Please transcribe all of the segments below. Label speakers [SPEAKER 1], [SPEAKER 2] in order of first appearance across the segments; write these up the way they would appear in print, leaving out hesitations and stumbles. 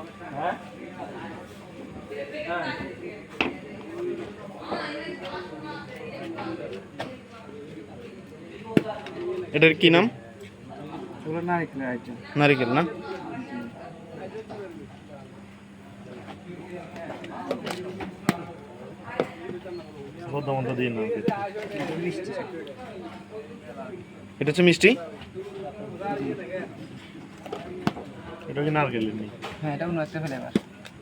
[SPEAKER 1] হ্যাঁ
[SPEAKER 2] এটার কি নাম?
[SPEAKER 1] ওগুলো নারিকেলের আইটেম।
[SPEAKER 2] নারিকেল না? এটা হচ্ছে মিষ্টি।
[SPEAKER 3] এটা কি নারকেল?
[SPEAKER 1] হ্যাঁ, এটা অন্য একটা ফ্লেভার।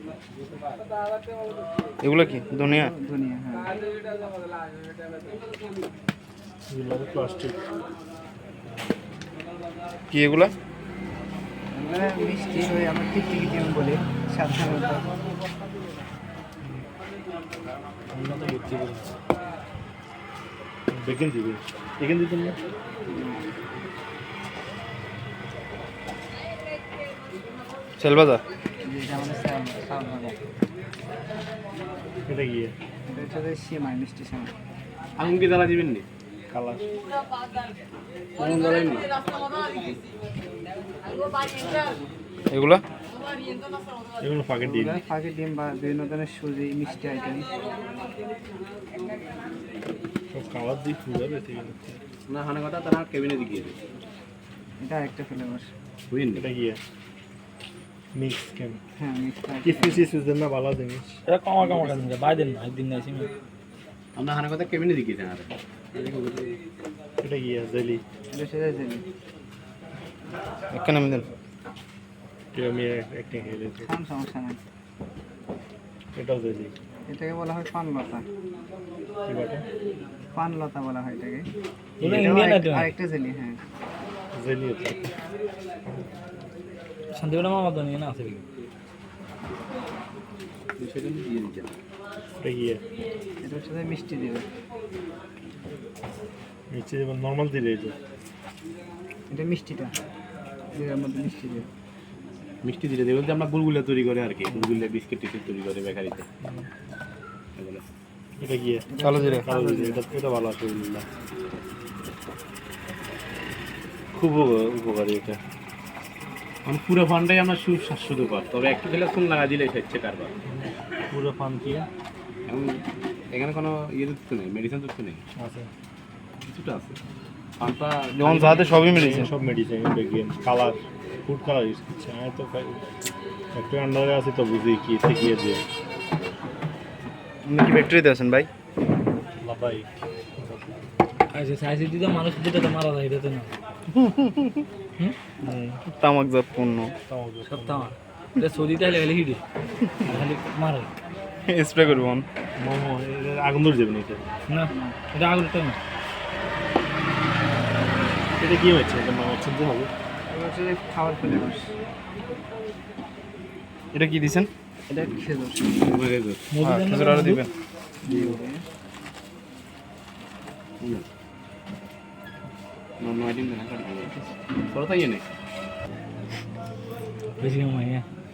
[SPEAKER 2] এগুলো কি ধনিয়া?
[SPEAKER 1] ধনিয়া, হ্যাঁ।
[SPEAKER 3] প্লাস্টিক
[SPEAKER 2] কি এগুলা?
[SPEAKER 1] এগুলো মিষ্টি, ওই আমরা টিকটিকি যেমন বলি সাধারণত।
[SPEAKER 3] বেকিং দিবে, বেকিং দিতেন না?
[SPEAKER 2] সেলবাজা।
[SPEAKER 1] এটা আমাদের সাউন্ড হবে।
[SPEAKER 3] এটা কি?
[SPEAKER 1] এটা হচ্ছে সেমাই, মিষ্টি সেমাই।
[SPEAKER 3] আঙুর কি জ্বালা দিবেন নি? কালার আঙুর জ্বালাই নি?
[SPEAKER 2] এগুলা
[SPEAKER 3] এগুলো ফাঁকে দিন।
[SPEAKER 1] ফাঁকি ডিম বা বিভিন্ন ধরনের সুজি, মিষ্টি আইটেম।
[SPEAKER 3] সব কালার দিয়ে ফুল হবে না? হানে কথা তারা কেবিনে দিকে দেবে।
[SPEAKER 1] এটা একটা ফ্লেভার।
[SPEAKER 3] বুঝলেন? এটা কি? মিক্স কেন?
[SPEAKER 1] হ্যাঁ, মিক্স।
[SPEAKER 3] কিছু দেন না, ভালো জিনিস।
[SPEAKER 4] এটা কমা কমা কেন বাই দেন না, একদিন না এসে
[SPEAKER 3] আমরা হানে কথা কেবিনে দিকে দেন। আর এটা কি? জেলি।
[SPEAKER 1] এটা সেটা জেলি।
[SPEAKER 2] এখানে আমি দেন।
[SPEAKER 3] আমি একটা খেলে
[SPEAKER 1] খান, সমস্যা নাই।
[SPEAKER 3] এটাও জেলি।
[SPEAKER 1] এটাকে বলা হয় পানলতা।
[SPEAKER 3] কি বলে?
[SPEAKER 1] পানলতা বলা হয় এটাকে।
[SPEAKER 4] এটা
[SPEAKER 1] এটাও
[SPEAKER 4] ইন্ডিয়ান আইটেম।
[SPEAKER 1] আরেকটা জেলি, হ্যাঁ।
[SPEAKER 3] জেলি হচ্ছে
[SPEAKER 4] শান্তিপুরা মামা তো নিয়ে না আছে
[SPEAKER 3] সেটা দিয়ে দিচ্ছেন। এটা কি?
[SPEAKER 1] এটা হচ্ছে মিষ্টি দিবে।
[SPEAKER 3] নিচে যেমন নর্মাল দিলে
[SPEAKER 1] এটা মিষ্টিটা, এর মধ্যে মিষ্টি দিবে।
[SPEAKER 3] মিষ্টি দিলে দেবে বলতে আমরা গুলগুলা তৈরি করে আর কি, গুলগুলা বিস্কিট টিস্কিট তৈরি করে বেকারিতে। এটা কি?
[SPEAKER 2] কালো জিরা।
[SPEAKER 3] কালো জিরা। এটা ভালো আছে, খুব উপকারী এটা। মানে পুরো ফানটাই আমরা সুস্বাস্থ্যকর, তবে একটু খেলে ফোন লাগা দিলে হচ্ছে কারবার। পুরো ফান কি এখন এখানে কোনো ইয়ে তো নেই, মেডিসিন তো নেই। আছে কিছুটা আছে। ফানটা
[SPEAKER 2] যেমন যাতে সবই মেডিসিন।
[SPEAKER 3] সব মেডিসিন, বেগিন কালার, ফুড কালার ইউজ করছে। আমি তো একটু আন্ডারে আছি তো বুঝি কি শিখিয়ে দিয়ে।
[SPEAKER 2] আপনি কি ফ্যাক্টরিতে আছেন ভাই?
[SPEAKER 3] ভাই
[SPEAKER 4] আচ্ছা সাইজ দিতে মানুষ যেটা তো মারা যায়, এটা তো না
[SPEAKER 2] তামাকজাত পণ্য।
[SPEAKER 4] সব তামার এটা সৌদিতে হলে গেলে হিটে খালি মারে
[SPEAKER 2] স্প্রে করব
[SPEAKER 3] মোমো আগুন ধরে যাবে না এটা?
[SPEAKER 4] না, এটা আগুনটা না।
[SPEAKER 3] এটা কি হচ্ছে? এটা মামা চিনতে হবে।
[SPEAKER 1] এটা হচ্ছে খাবার ফ্লেভার।
[SPEAKER 2] এটা কি দিছেন?
[SPEAKER 1] এটা খেজুর।
[SPEAKER 2] খেজুর আরো দিবেন।
[SPEAKER 4] বেশি সময়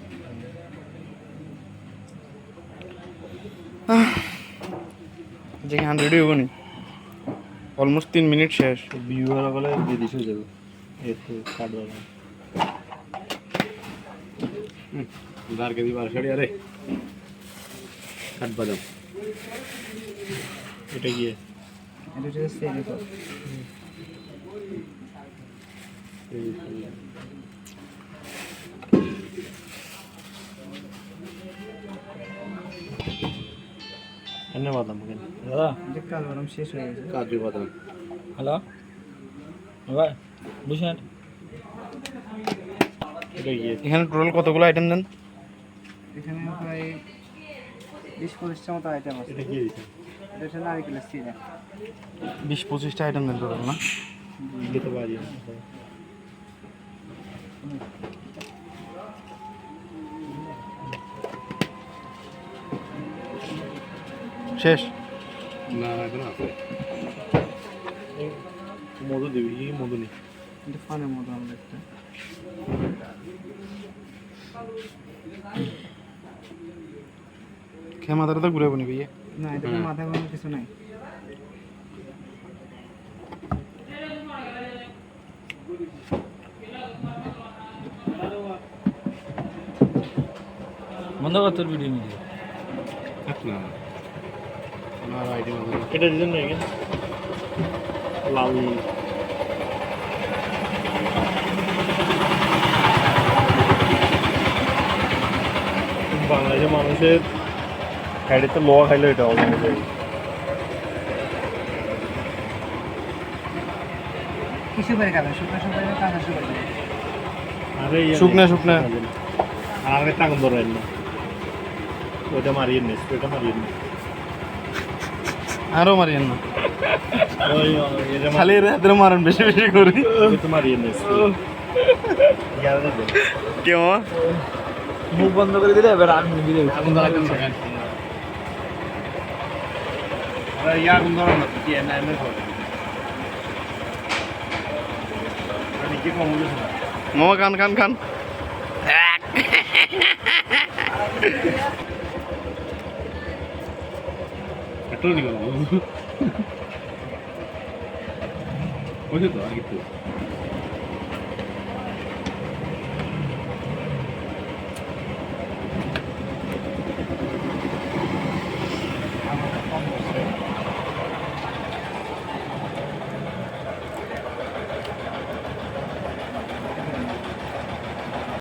[SPEAKER 2] যে 100 হইব নি, অলমোস্ট 3 মিনিট শেষ।
[SPEAKER 3] ভিউয়ার বলে দিয়ে দিছে যাবে এতে কাটবা না। উধার के भी बार छड़ी अरे কাট বাদাম। এটা কি?
[SPEAKER 1] এটা হচ্ছে সেরি ফল।
[SPEAKER 3] এনে বাদাম কেন?
[SPEAKER 4] দাদা
[SPEAKER 1] এটা কাল বাদাম শেষ হয়ে গেছে।
[SPEAKER 3] কাজু বাদাম।
[SPEAKER 4] হ্যালো ভাই বুঝছেন
[SPEAKER 3] এটা কি?
[SPEAKER 2] এখানে টোটাল কতগুলো আইটেম দেন?
[SPEAKER 1] এখানে প্রায় 20-25টা মতো আইটেম আছে।
[SPEAKER 3] এটা কি দিছেন?
[SPEAKER 1] এটা হচ্ছে নারিকেলের সিরা।
[SPEAKER 2] 20-25টা আইটেম দেন টোটাল না?
[SPEAKER 3] দিতে পারি।
[SPEAKER 2] শেষ?
[SPEAKER 3] না এখন আছে। মধু দিবি কি? মধু নেই।
[SPEAKER 1] এটা ফানের মতো আমাদের একটা।
[SPEAKER 2] খেয়ে মাথাটা তো ঘুরে বনি ভাইয়া।
[SPEAKER 1] না, এটাতে মাথা ঘোরানোর কিছু নাই।
[SPEAKER 4] বন্ধ কর তোর ভিডিও মিডিও
[SPEAKER 3] থাক না আমার আইডি বন্ধ কর।
[SPEAKER 2] এটা দিন না এখানে লাল বাংলাদেশের মানুষের খাইতে লোয়া খাইলে এটা হবে
[SPEAKER 1] কি সুপারি খাবেন? শুকনো সুপারি না কাঁচা সুপারি?
[SPEAKER 3] আরে
[SPEAKER 2] শুকনা শুকনা
[SPEAKER 3] আর আগে টাকুন ধরেন না ওইটা মারিয়ে নিস ওইটা মারিয়ে নিস
[SPEAKER 2] আরো মারিয়েন না
[SPEAKER 3] ওই এটা
[SPEAKER 2] খালি এর হাতের মারেন বেশি বেশি করে
[SPEAKER 3] তো মারিয়ে নিস
[SPEAKER 2] কেউ
[SPEAKER 4] মুখ বন্ধ করে দিলে এবার আমি ভিডিও
[SPEAKER 3] আগুন ধরা কেন থাকেন আরে ইয়া আগুন ধরা না কি এনে এনে ধরে আমি কি কম বলিস না
[SPEAKER 2] মামা খান খান খান
[SPEAKER 3] পেট্রোল নিয়ে গেল ওই তো আর কিছু